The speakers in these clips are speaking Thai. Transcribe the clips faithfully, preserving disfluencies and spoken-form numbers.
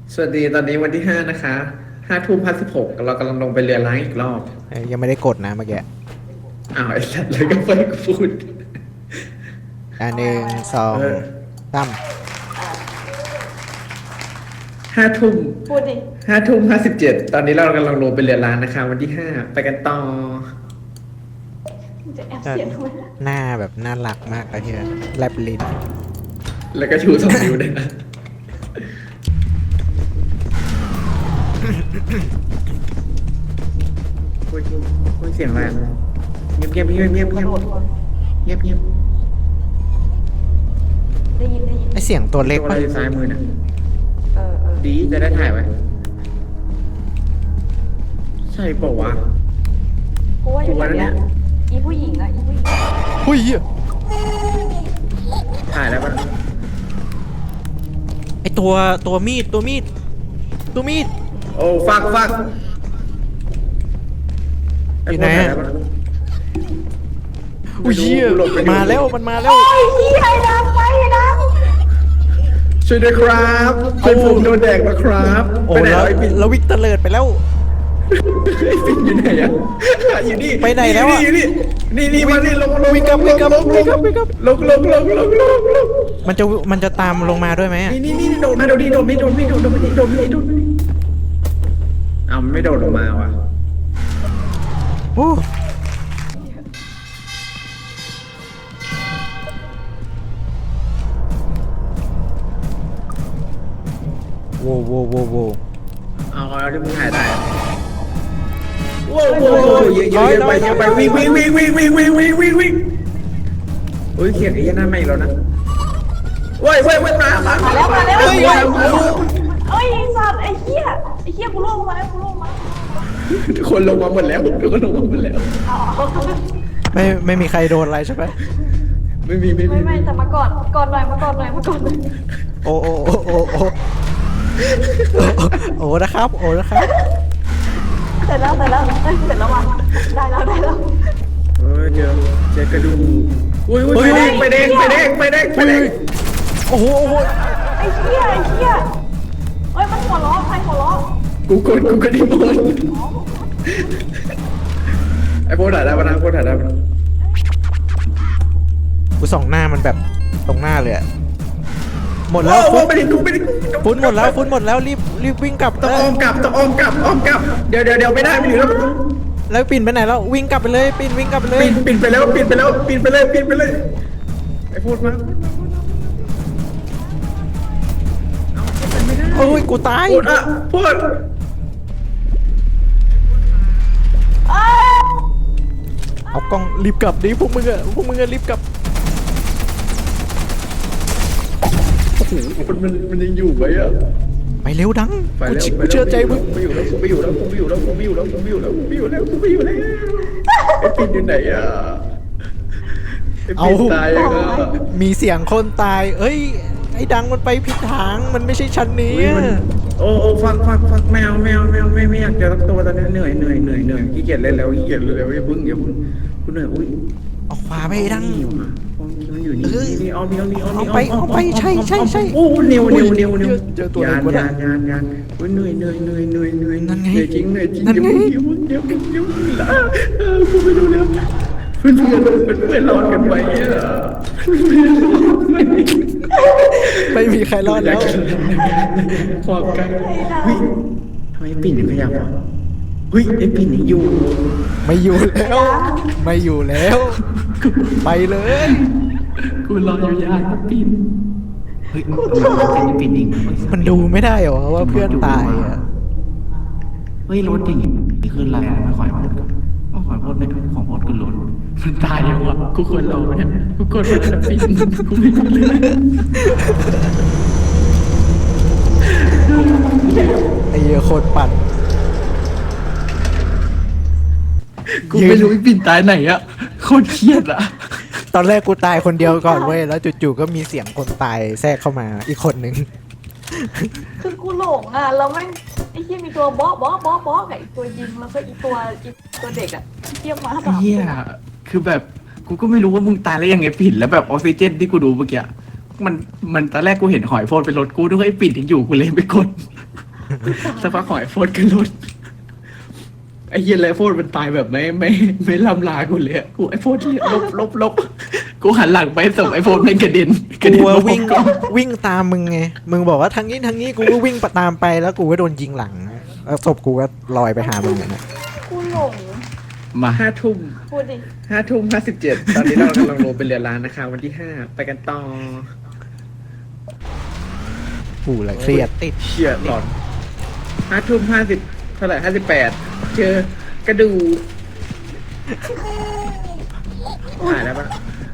สวัสดีตอนนี้วันที่ห้านะคะห้าทุ่มห้าสิบหกเรากำลังลงไปเรือล้างอีกรอบเอ้ยยังไม่ได้กดนะเมื่อกี้อ้าวไอ้สัตว์เลยก็ไปพูดอ่าหนึ่งสองเออสามห้าทุ่มพูดดิห้าทุ่มห้าสิบเจ็ดตอนนี้เรากำลังลงไปเรือล้างนะคะวันที่ห้าไปกันต่อมึงจะแอบเสียงทำไมล่ะหน้าแบบน่ารักมากเลยเฮียแลบลิ้นแล้วก็ชูสองนิ้วด้วยนะคุยคุยเสียงอะไรอะเงียบเงียบเงียบเงียบกเงีระยบโดดก่อนเงียบเงียบได้ยินได้ยินไอเสียงตัวเล็กตัวอะไรปะอยู่ซ้ายมือน่ะเออเออดีจะได้ถ่ายไว้ใช่เปล่าวะกูว่าอยู่แถวเนี้ยอีผู้หญิงอะอีผู้หญิงหุ้ยเหี้ยถ่ายแล้วปะไอตัวตัวมีดตัวมีดตัวมีดโอ้ฟักฟักอยู่ไหนอะ อุ้ยเหี้ยมาแล้วมันมาแล้วโอ้ยเฮียไอ้ดำไปไอ้ดช่วยด้วยครับเพื่อนผมโดนแดกแล้วครับโอ้ไปไหนแล้วไอ้ปิ่นแล้ววิกเตอร์เลิดไปแล้วไอ้ปิ่นอยู่ไหนอะอยู่นี่ไปไหนแล้วอะอยู่นี่นี่นี่มานี่ลงลงวิ่งกลับวิ่งกลับวิ่งกลับวิ่งกลับลงลงลงลงลงลงมันจะมันจะตามลงมาด้วยไหมอะนี่นี่นี่โดดมาโดดนี่โดดไม่โดดไม่โดดโดดไม่โดดไม่โดดไม่อ้าวมันไม่โดดลงมาว่ะโอ้โว้โว้โว้โว้เอาเอาที่มึงถ่ายได้อะโว้วโว้วโว้วเยอะเยอะเยอะไปเยอะไปวิ่งวิ่งวิ่งวิ่งวิ่งวิ่งวิ่งวิ่งวิ่งโอ้ยเขียนไอ้ยันหน้าไม่แล้วนะเว้ยเว้ยเว้ยมามาำมาแล้วมาแล้วเฮ้ยเฮ้ยเว้ยเอ้ยไอ้สัตว์ไอ้เฮียไอ้เฮียกูล่วงมาแล้วกูล่วงมาทุกคนลงมาหมดแล้วทุกคนลงมาหมดแล้วอ๋อไม่ไม่มีใครโดนอะไรใช่ไหมไม่มีไม่มีไม่ไม่แต่มาก่อนก่อนหน่อยมาก่อนหน่อยมาก่อนหน่อยโอ้โอ้โอ้โอ้โอ้โอ้นะครับ โอ้นะครับเสร็จแล้วเสร็จแล้วเอ้ยเสร็จแล้วว่ะได้แล้วได้แล้วเออเจอเจอกระดูกอุ้ยอุ้ยไปแดงไปแดงไปแดงไปแดงไปแดงโอ้โหโอ้โหไอ้เฮียไอ้เฮียเอ้ยมันหัวล้อใครหัวล้อกูกดกูกดดิบอลไอ้โบถ่ายได้ปะนะโบถ่ายได้ปะกูส่องหน้ามันแบบตรงหน้าเลยอะหมดแล้แล้ว วโอ้ฟุตไม่ได้ดูไม่ได้ฟุตหมดแล้วฟุตหมดแล้วรีบรีบวิ่งกลับต้องอ้อมกลับต้องอ้อมกลับอ้อมกลับเดี๋ยวเดี๋ยวเดี๋ยวไม่ได้ไม่อยู่แล้วแล้วปิ่นไปไหนแล้ววิ่งกลับไปเลยปิ่นวิ่งกลับไปเลยปิดปิดไปแล้วปิดไปแล้วปิดไปเลยปิดไปเลยไอ้พูดมาโอ้ยกูตายพูดอ่ะพูดเอ้ยเอากล้องรีบกลับดิพวกมึงอะพวกมึงอะรีบกลับโอ้โหมันมันมันยังอยู่ไหมอ่ะไปเร็วดังไปกูแล้วเชื่อไปกูเชื่อใจมึงไปอยู่แล้วไปอยู่แล้วไปอยู่แล้วไปอยู่แล้วไปอยู่แล้วไปอยู่แล้วไปอยู่แล้วไอ้ปิดอยู่ไหนอ่ะไอ้ปิดตายอ่ะมีเสียงคนตาย เอ้ยไอ้ดังมันไปผิดทางมันไม่ใช่ชั้นนี้อุ๊ยมันโอ้โอ้ฟังฟังฟังแมวแมวแมวไม่ไม่อยากเจอสักตัวตอนนี้เหนื่อยเหนื่อยเหนื่อยเหนื่อยขี้เกียจเล่นแล้วขี้เกียจเล่นแล้วอย่าพึ่งอย่าพึ่งกูเหนื่อยอุ้ยเอาขวาไปไอ้ดังนี่ว่ะมันอยู่นี่เออนี่เอานี่เอานี่เอานี่เอาไปเอาไปใช่ใช่ใช่โอ้เนียวเนียวเนียวเนียวเจอตัวอะไรยานวะเนี่ยยานยานยานอุ้ยเหนื่อยเหนื่อยเหนื่อยเหนื่อยเหนื่อยนั่นไงเหนื่อยจริงเหนื่อยจริงนั่นไงเดี๋ยวเดี๋ยวเดี๋ยวเดี๋ยวเดี๋ยวเออกูไม่รู้แล้วเพื่อนเพื่อนเพื่อนรอดกันไปอ่ะไม่มีใครรอดแล้วความกันเฮ้ยทำไมปิ่นถึงขยับวะเฮ้ยไอ้ปิ่นยังอยู่ไม่อยู่แล้ว ไม่อยู่แล้ว ไปเลยกูรออยู่ยานปิ่นเฮ้ยมันเป็นปิ่นเองมันดูไม่ได้เหรอว่าเพื่อนตายอ่ะเฮ้ยรถอย่างนี้คืออะไรอะขอยพูดก่อนขอยพูดไม่ถูกของพูดคือรถมันตายยังวะกูควรรอไหมเนี่ยกูควรรอแต่ปิ่นกูไม่รู้เลยไอ้เหี้ยโคตรปั่นกูไม่รู้ไอ้ปิ่นตายไหนอะโคตรเครียดอะตอนแรกกูตายคนเดียวก่อนเว้ยแล้วจู่ๆก็มีเสียงคนตายแทรกเข้ามาอีกคนนึงคือกูหลงอ่ะแล้วแม่งไอ้เฮียมีตัวบอสบอสบอสบอสกับอีกตัวยิงแล้วก็อีตัวอีตัวเด็กอ่ะเทียมมาสามเฮียคือแบบกูก็ไม่รู้ว่ามึงตายแล้วยังไงปิ่นแล้วแบบออกซิเจนที่กูดูเมื่อกี้มันมันตอนแรกกูเห็นหอยโฟนเป็นรถกูด้วยไอ้ปิ่นยังอยู่กูเลยไปกดสักพักหอยโฟนกันรถไอ้เหี้ยไรโฟนมันตายแบบไม่ไม่ไม่ลำลากูเลยอะกูไอ้โฟนลบลบลบกูหันหลังไปส่งไอ้โฟนเป็นกระเด็นกระเด็กูนว่ามาวิ่งก่อนวิ่งตามมึงไงมึงบอกว่าทางนี้ทางนี้กูก็วิ่งตามไปแล้วกูก็โดนยิงหลังแล้วศพกูก็ลอยไปหามึงอะนะกูหลงมาห้าทุ่มพูดดิห้าทุ่มห้าสิบเจ็ดตอนนี้เรากำลังลงเป็นเรือร้านนะคะวันที่ห้าไปกันต่อกูเลยเครียดติดเชี่ยหลอนห้าทุ่มห้าสิบเท่าไหร่ห้าสิบแปดเจอกระดูหายแล้วปะ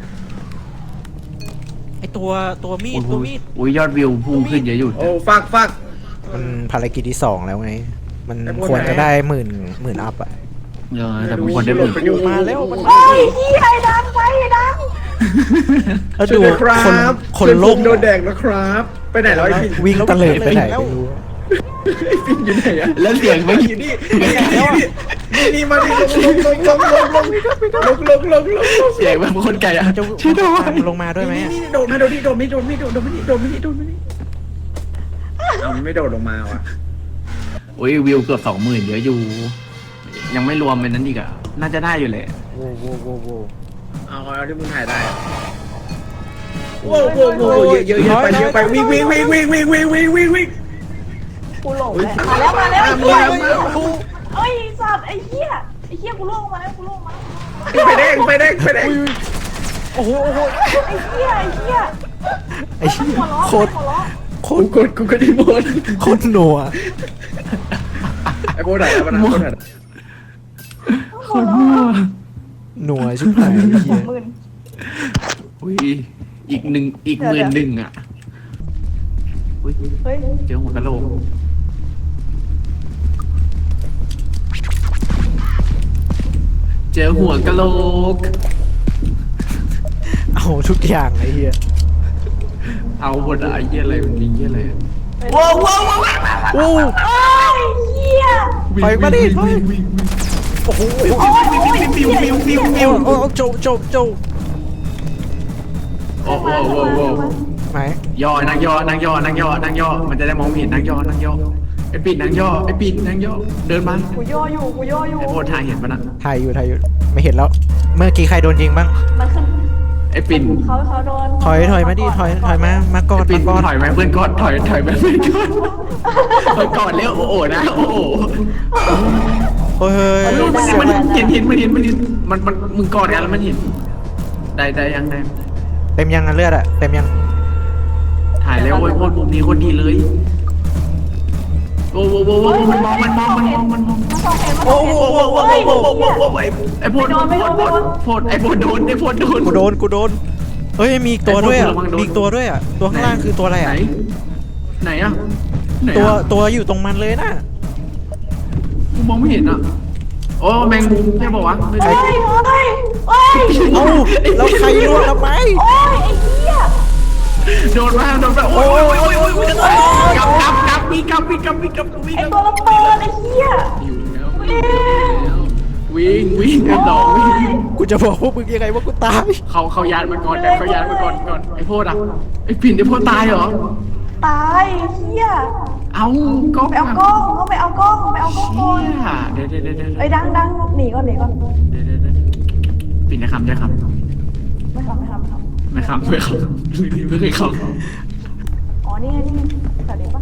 ไอตัวตัวมีดตัวมีดอุ้ยยอดวิวพุ่งขึ้นเยอะอยู่โอ้ฟักฟักมันภารกิจที่สองแล้วไง มันแต่พวกควรไหนจะได้หมื่นหมื่นอัพอะเออแต่บางคนได้หมื่นประโยชน์มาแล้วมันโอ้ยเฮียไอ้ดังไปไอ้ดังแล้วช่ดูวยด้วยครัคนบคนช่วยโลผกมโดนแดกนะครับ ไปไหนแล้วไอ้ปิ่นวิ่งตะเลิดไปไหนไม่รู้ไอ้ปิ่นอยู่ไหนอะแล้วเสียงไม่อยู่นี่นี่นี่นี่มาดิลงลงลงลงลงลงลงลงลงลงเสียงแบบคนไก่อะจะช่วยด้วยลงมาด้วยไหมนี่อะนี่โดดมาโดดนี่โดดไม่โดดไม่โดดโดดไม่นี่โดดไม่นี่โดดไม่นี่เอามันไม่โดดลงมาว่ะอุ้ยวิวเกือบสองหมื่นเยอะอยู่ ยังไม่รวมเป็นนั้นอีกอะน่าจะได้อยู่เลยโว้โว้โว้โว้เอาเอาที่มึงถ่ายได้อะโว้โว้โว้เยอะเยอะเยอะไปเยอะไปวิ่งวิ่งวิ่งวิ่งวิ่งวิ่งวิ่งวิ่งวิ่งกูหลงแหละมาแล้วมาแล้วไอ้มาเหี้ยแล้วมาแล้วเอ้ยสัตว์ไอ้เหี้ยไอ้เหี้ยกูลงมาแล้วกูลงมาไปแดงไปแดงไปแดงโอ้โหโอ้โหไอ้เหี้ยไอ้เหี้ยไอ้เหี้ยหัวล้อโคตรหัวล้อโคกูตรกดกูก็ได้หมดโคตรหนัวไอ้โบถ่ายแล้วมันนะโบถ่ายหัวล้อหนัวชิบหายไอ้สเหี้อย งหมื่นอุ้ยอีกหนึ่งอีกหมื่นหนึ่งอะอุ้ยเฮ้ยเจอหัวกะโหลกเจอหัวกะโหลกเอาทุกอย่างไอ้เหี้ยเอาหมดอะไอ้เหี้ยอะไรมันมีเหี้ยอะไรอะว้าวว้าวว้าวโอ้ไอ้เหี้ยไปมาดิไปโอ้โหโอ้ยโอ้ยเหี้ยวิววิววิวโอ้โจโจโจโอ้โหโอ้โหไหมย่อนั่งย่อนั่งย่อนั่งย่อนั่งย่อมันจะได้มองไม่เห็นนั่งย่อนั่งย่อไอ้ปิดนั่งย่อไอ้ปิดนั่งย่อเดินมากูย่ออยู่กูย่ออยู่ไอ้โพดทายเห็นปะนะถ่ายอยู่ถ่ายอยู่ไม่เห็นแล้ว เมื่อกี้ใครโดนยิงบ้างมันขึ้นไอ้ปิ่นเขาเขาโดนถอยถอยมาดิถอยถอยมามาก่อนปิ่มานก่อนถอยไหมเพื่อนกอดถอยถอยไหมเพื่อนกอดถอยก่อนเร็วโอ้โหนะโอ้โหเฮ้ยเฮ้ยมันเสียงมันเห็นเห็นมันเห็นมันเห็นมันมันมึงกอดกันแล้วมันเห็นได้ได้ยังได้เต็มยังอะเลือดอะเต็มยังถ่ายแล้วโอ้ยโคตรมุมนี้โคตรดีเลยโอ้โหโอ้โหมันมองมันมองมันมองมันมองมันสองเห็นมันโอ้สองโหเห็นโอ้โหโอ้โหโอ้โหโอ้โหไอ้โพดโพดโพดไอ้โพดโดนไอ้โพดโดนกูโดนกูโดนเฮ้ยมีอีกตัวด้วยอะไอ้พวกระวังโดนมีอีกตัวด้วยอะตัวข้างล่างคือตัวอะไรไหนอะไหนอะไหนตัวอะตัวอยู่ตรงมันเลยนะกูมองไม่เห็นอ่ะ โอ้แมงมุมใช่ป่าวะไม่เฮ้ใช่ยเฮ้ยเฮ้ยเอ้าแล้วใครล่วงทำไมโอ้ยไอ้เหี้ยโดนมาโดนมาโอ้ยโอ้ยโอ้ยโอ้ยโอ้ยกลับกลับกลับวิ่งกลับวิ่งกลับวิ่งกลับวิ่งไอ้กลับตัวระเบิดไอ้เหี้ยอยู่แล้ววิ่งวิ่งกันต่อวิ่งกูจะบอกพวกมึงยังไงว่ากูตายเขาเขายานมาก่อนแต่เขายานมาก่อนก่อนไอ้โพดอ่ะไอ้ปิ่นไอ้โพดตายเหรอตายไอ้เหี้ยเอากล้องไปเอากล้องเขาไปเอากล้องไปเอากล้องก่อนเดี๋ยวเดี๋ยวเดี๋ยวเดี๋ยวไอ้ดังดังหนีก่อนหนีก่อนเดี๋ยวเดี๋ยวเดี๋ยวปิ่นจะคำจะคำไม่ทำไม่ทำไม่ทำไม่คำไม่คำไม่เคยคำอ๋อนี่ไงนี่ไงแต่เด็กปะ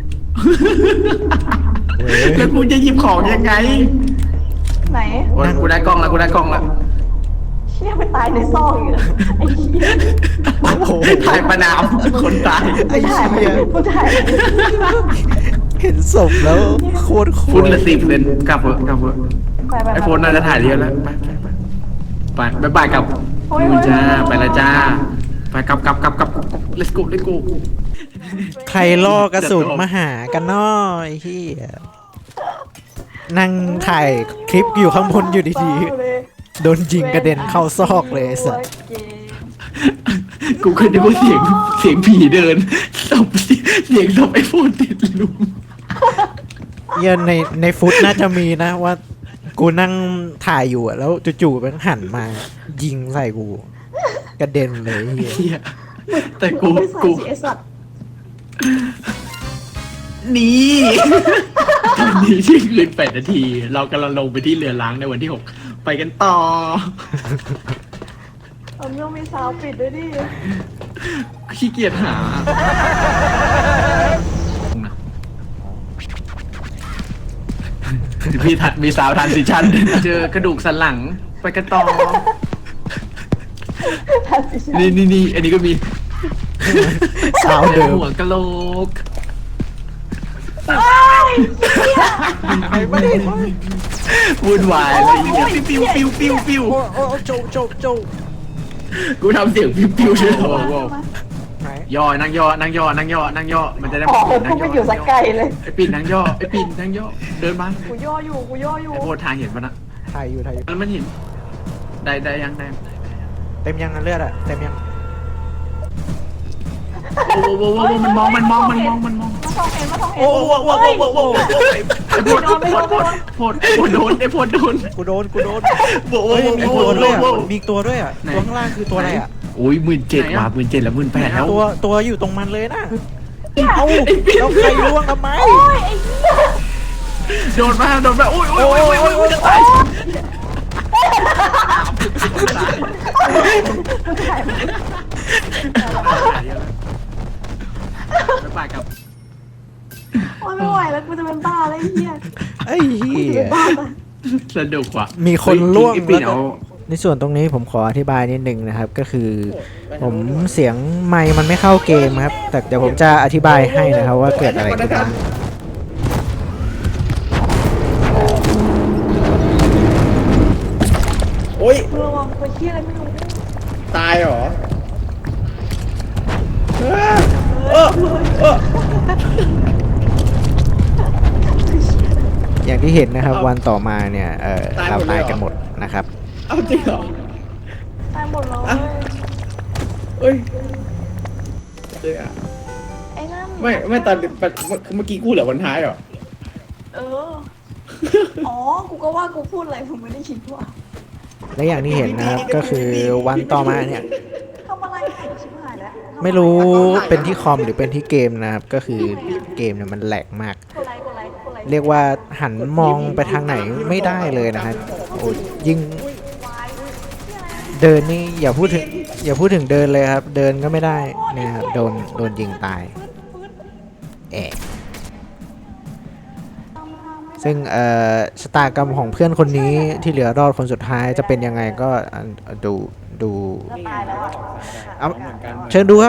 แล้วกูจะหยิบของยังไงไหนโอ้ยกูได้กล้องแล้วกูได้กล้องแล้วเชี่ยไปตายในซอกอีกเหรอไอ้เหี้ยโอ้โหถ่ายประนามคนตายไอ้ถ่ายเหี้ยผู้ถ่ายเห็นศพแล้วโคตรโคฟุตตรละสิบเป็นกลับเถอะกลับเถอะไปไปไอโฟนน่าจะถ่ายเยอะแล้วไปไปไปไปบายบายกับนู่นจ้าไปแล้วจ้าไปกลับกลับกลับกลับ let's go let's go ใครล่อกระสุนมาหากันน้อยเฮียนั่งถ่ายคลิปอยู่ข้างบนอยู่ดีๆโดนยิงกระเด็นเข้าซอกเลยไอ้สัสกูเคยได้ยินเสียงเสียงผีเดินศพเสียงศพไอโฟนติดลุมเหี้ยในในฟุตน่าจะมีนะว่ากูนั่งถ่ายอยู่อะแล้วจู่ๆมันหันมา ยิงใส่กู กระเด็นเลยเฮียเฮียแต่กูกูกูไอ้สัตว์นี่ตอนนี้ที่คืนแปดนาที เรากำลังลงไปที่เรือล้างในวันที่หกไปกันต่อผมยังมีสาวปิดด้วยดิขี้เกียจหาพี่ทัดมีสาวทันสิชันเจอกระดูกสันหลังไปกันต่อทันสิฉันนี่นี่นี่อันนี้ก็มีสาวเดิมหัวกะโหลกไปไม่ได้วุ่นวายอะไรอย่างเงี้ยปิ้วปิ้วปิ้วปิ้วโอ้โอ้โจโจโจกูทำเสียงปิ้วปิ้วใช่ไหมไหนย่อนั่งย่อนั่งย่อนั่งย่อนั่งย่อมันจะได้อ๋อนั่กูงไปย่ออยู่สักไกลเลยไอ้ปิ่นนั่งย่อไอ้ปิ่นนั่งย่อเดินมากูย่ออยู่กูย่ออยู่ไอ้โบทางเห็นปะนะถ่ายอยู่ถ่ายอยู่แล้วมันเห็นได้ได้ยังได้เต็มยังนะเลือดอะเต็มยังโอ้โหโอ้โหมันมองมันมองมันมองมันมองมาส่องเห็นมาส่องเห็นโอ้โหโอ้โหโอ้โหไอ้โพดโพดโพดโพดโพดโดนไอ้โพดโดนกูโดนกูโดนโอ้โหเฮ้ยมีตัวด้วยอะโอ้โหมีตัวด้วยอะไหนตัวข้างล่างคือตัวอะไรอะโอ้ยหมื่นเจ็ดว่ะหมื่นเจ็ดแล้วหมื่นแปดแล้วตัวตัวอยู่ตรงมันเลยนะเอ้าแล้วใครล่วงทำไมโอ้ยไอ้เหี้ยโดนมาโดนมาโอ้ยโอ้ยโอ้ยโอ้ยโอ้ยโอ้ยจะตาย ไปไปกับโอ้ยไม่ไหวแล้วกูจะเป็นบ้าแล้วไอ้เหี้ยไอ้เหี้กูจะยเป็นบ้าไปสนุกว่ะมีคนล่วงไอ้ปิ่นแล้วก็เอาในส่วนตรงนี้ผมขออธิบายนิดนึงนะครับ ก็คือ ผมเสียงไมค์มันไม่เข้าเกมครับ แต่เดี๋ยวผมจะอธิบายให้นะครับว่าเกิดอะไรขึ้นบ้างโอ้ยกูระวังตัวเหี้ยอะไรไม่รู้ตายเหรอเออเออเอออย่างที่เห็นนะครับ วันต่อมาเนี่ยเออตายหเรามดเลยเหรอตายกันหมดนะครับเอาจริงเหรอตายหมดเลยเอ้ยเจ๊อะไอ้นั่นไม่ไม่ตอนเมื่อกี้กูเหลือวันท้ายเหรอเออ อ๋อ กูก็ว่ากูพูดอะไรผมไม่ได้คิดว่าและอย่างที่เห็นนะครับก็คือวันต่อมาเนี่ยทำอะไรชิบหายแล้วทำอะไม่รู้เป็นที่คอมหรือเป็นที่เกมนะครับ ก็คือเกมเนี่ยมันแหลกมากกดไลค์กดไลค์กดไลค์เรียกว่าหันมองไปทางไหนไม่ได้เลยนะฮะโอ้ยยิ่งวายที่อะไรเดินนี่อย่าพูดถึงอย่าพูดถึงเดินเลยครับ เดินก็ไม่ได้เนี่ยครับโดนโดนยิงตายแอะซึ่งเอ่อชะตากรรมของเพื่อนคนนี้ที่เหลือรอดคนสุดท้ายจะเป็นยังไงก็อ่ะดูดูจะตายแล้วอะเอาเชิญดูครับ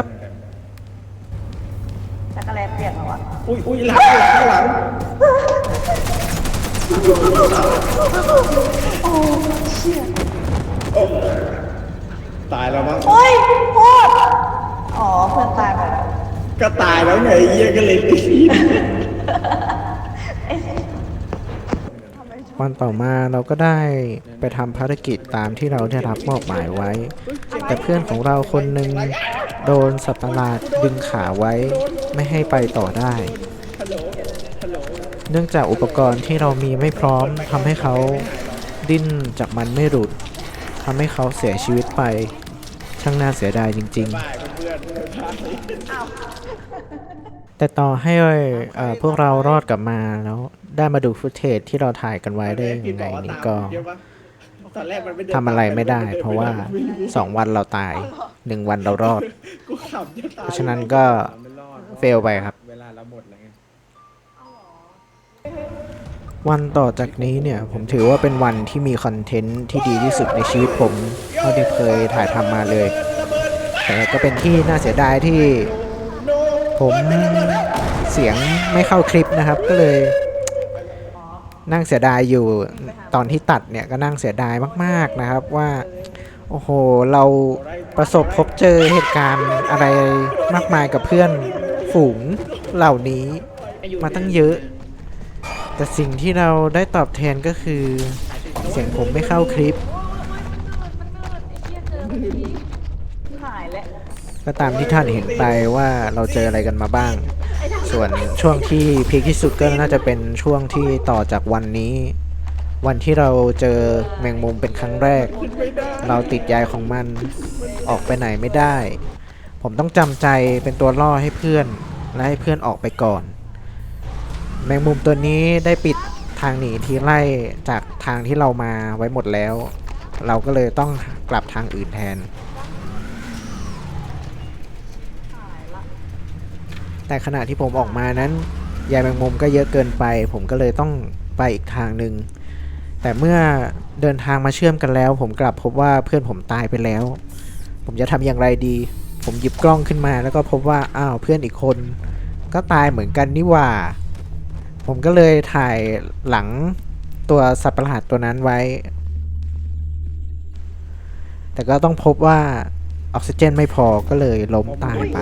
จักรแลเปลี่ยนแล้วอะอุ้ยอุ้ยหลังข้างหลังโอ้เชี่ยตายแล้วมั้งโอ้ยโคตรอ๋อเพื่อนตายไปแล้วก็ตายแล้วไงเยี่ยก็เลยตีวันต่อมาเราก็ได้ไปทำภารกิจตามที่เราได้รับมอบหมายไว้ แต่เพื่อนของเราคนหนึ่งโดนสัตว์ประหลาดดึงขาไว้ไม่ให้ไปต่อได้ เนื่องจากอุปกรณ์ที่เรามีไม่พร้อมทำให้เขาดิ้นจากมันไม่หลุดทำให้เขาเสียชีวิตไป ช่างน่าเสียดายจริง ๆ แต่ต่อให้เอ่อพวกเรารอดกลับมาแล้วได้มาดูฟุตเทจที่เราถ่ายกันไว้ได้ยังไงนี่ก็ตอนแรกมันม่เดินทำอะไรไม่ได้ เพราะว่าสองวันเราตายหนึ่งวันเรารอดกูขำจะตายเพราะฉะนั้นก็เฟลไปครับเวลาเราหมดแล้วไงวันต่อจากนี้เนี่ยผมถือว่าเป็นวันที่มีคอนเทนต์ที่ดีที่สุดในชีวิตผมเท่าที่เคยถ่ายทำมาเลย แต่ก็เป็นที่น่าเสียดายที่ผมเสียงไม่เข้าคลิปนะครับ ก็เลยนั่งเสียดายอยู่ตอนที่ตัดเนี่ยก็นั่งเสียดายมากๆนะครับว่าโอ้โหเราประสบพบเจอเหตุการณ์อะไรมากมายกับเพื่อนฝูงเหล่านี้มาตั้งเยอะ แต่สิ่งที่เราได้ตอบแทนก็คือเสียงผมไม่เข้าคลิปไอ้เหี้ยเจอเมื่อกี้หายแล้วก็ตามที่ท่านเห็นไปว่าเราเจออะไรกันมาบ้าง ส่วนช่วงที่พีคที่สุดก็น่าจะเป็นช่วงที่ต่อจากวันนี้ วันที่เราเจอแมงมุมเป็นครั้งแรก เราติดใยของมันออกไปไหนไม่ได้ ผมต้องจำใจเป็นตัวล่อให้เพื่อนและให้เพื่อนออกไปก่อนแมงมุมตัวนี้ได้ปิดทางหนีทีไล่จากทางที่เรามาไว้หมดแล้ว เราก็เลยต้องกลับทางอื่นแทน แต่ขณะที่ผมออกมานั้นยายแมงมุมก็เยอะเกินไป ผมก็เลยต้องไปอีกทางหนึ่งแต่เมื่อเดินทางมาเชื่อมกันแล้ว ผมกลับพบว่าเพื่อนผมตายไปแล้ว ผมจะทำอย่างไรดี ผมหยิบกล้องขึ้นมาแล้วก็พบว่าอ้าวเพื่อนอีกคนก็ตายเหมือนกันนี่หว่า ผมก็เลยถ่ายหลังตัวสัตว์ประหลาดตัวนั้นไว้ แต่ก็ต้องพบว่าออกซิเจนไม่พอก็เลยล้มตายไป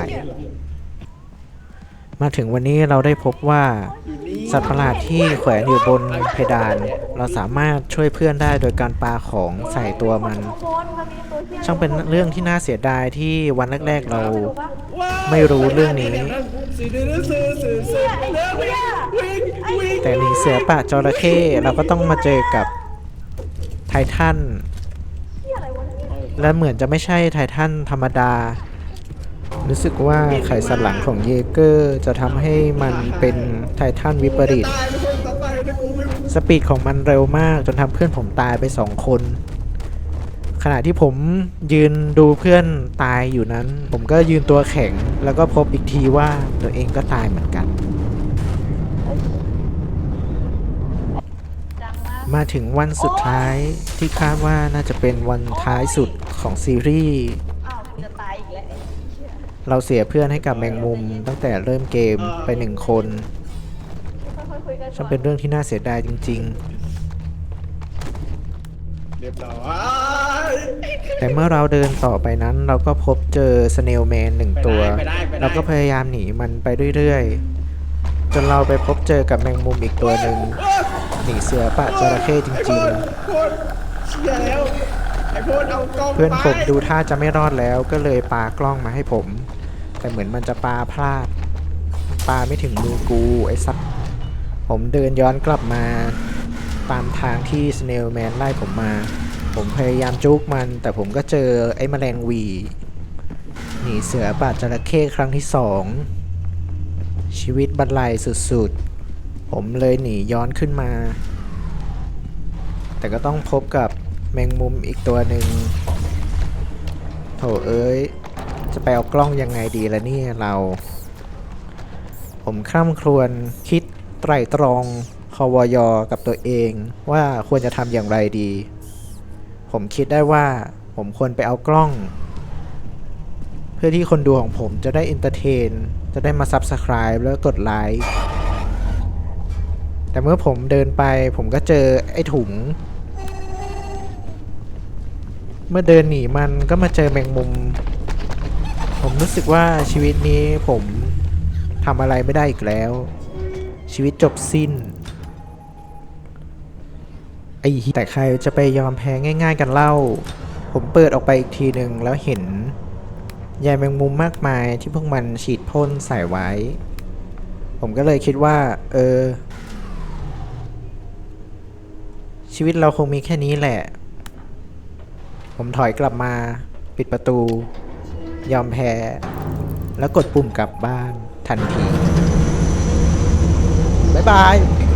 มาถึงวันนี้เราได้พบว่าสัตว์ประหลาดที่แขวนอยู่บนเพดาน เราสามารถช่วยเพื่อนได้โดยการปาของใส่ตัวมันข้างบนมันมีตัวเหี้ยช่างเป็นเรื่องที่น่าเสียดายที่วันแรกๆเราไม่รู้เรื่องนี้เหี้ยไอ้เหี้ยไอ้เหี้ยแต่หนีเสือป่าจระเข้เราก็ต้องมาเจอกับไททันเหี้ยอะไรวะเนี่ยและเหมือนจะไม่ใช่ไททันธรรมดา รู้สึกว่าไขสันหลังของเยเกอร์จะทำให้มันเป็นไททันวิปริตสปีดของมันเร็วมากจนทำเพื่อนผมตายไปสองคน ขณะที่ผมยืนดูเพื่อนตายอยู่นั้น ผมก็ยืนตัวแข็งแล้วก็พบอีกทีว่าตัวเองก็ตายเหมือนกันจังมากมาถึงวันสุดท้ายที่คาดว่าน่าจะเป็นวันท้ายสุดของซีรีส์อ้าวจะตายอีกแล้วไอ้เหี้ยเราเสียเพื่อนให้กับแมงมุมตั้งแต่เริ่มเกมไปหนึ่งคนค่อยๆคุยกันก่ช่างอนเป็นเรื่องที่น่าเสียดายจริงเรียบร้อยๆ แต่เมื่อเราเดินต่อไปนั้นเราก็พบเจอสเนลแมนหนึ่งตัว เราก็พยายามหนีมันไปเรื่อยๆ จนเราไปพบเจอกับแมงมุมอีกตัวหนึ่งหนีเสือป่าจระเข้จริงโคตรเชี่ยแล้วไอ้โพดเอากล้องๆ เพื่อนผมดูท่าจะไม่รอดแล้วก็เลยปากล้องมาให้ผม แต่เหมือนมันจะปาพลาดปาไม่ถึงมือกูไอ้สัตว์ผมเดินย้อนกลับมาตามทางที่สเนลแมนไล่ผมมา ผมพยายามจุกมัน แต่ผมก็เจอไอ้แมลงหวีหนีเสือป่าจระเข้ครั้งที่สองชีวิตบรรลัยสุดๆ ผมเลยหนีย้อนขึ้นมา แต่ก็ต้องพบกับแมงมุมอีกตัวหนึ่งโถเอ้ยจะไปเอากล้องยังไงดีละเนี่ยเรา ผมคร่ำครวญคิดไตร่ตรองคอวยอกับตัวเองว่าควรจะทำอย่างไรดี ผมคิดได้ว่าผมควรไปเอากล้อง เพื่อที่คนดูของผมจะได้อินเตอร์เทน จะได้มา Subscribe แล้วกดไลค์ แต่เมื่อผมเดินไปผมก็เจอไอ้ถุง เมื่อเดินหนีมันก็มาเจอแมงมุม ผมรู้สึกว่าชีวิตนี้ผมทำอะไรไม่ได้อีกแล้ว ชีวิตจบสิ้นไอ้แต่ใครจะไปยอมแพ้ง่ายๆกันเล่า ผมเปิดออกไปอีกทีหนึ่งแล้วเห็นใยแมงมุมมากมายที่พวกมันฉีดพ่นใส่ไว้ ผมก็เลยคิดว่า เออ ชีวิตเราคงมีแค่นี้แหละ ผมถอยกลับมาปิดประตู ยอมแพ้ แล้วกดปุ่มกลับบ้านทันที บ๊ายบาย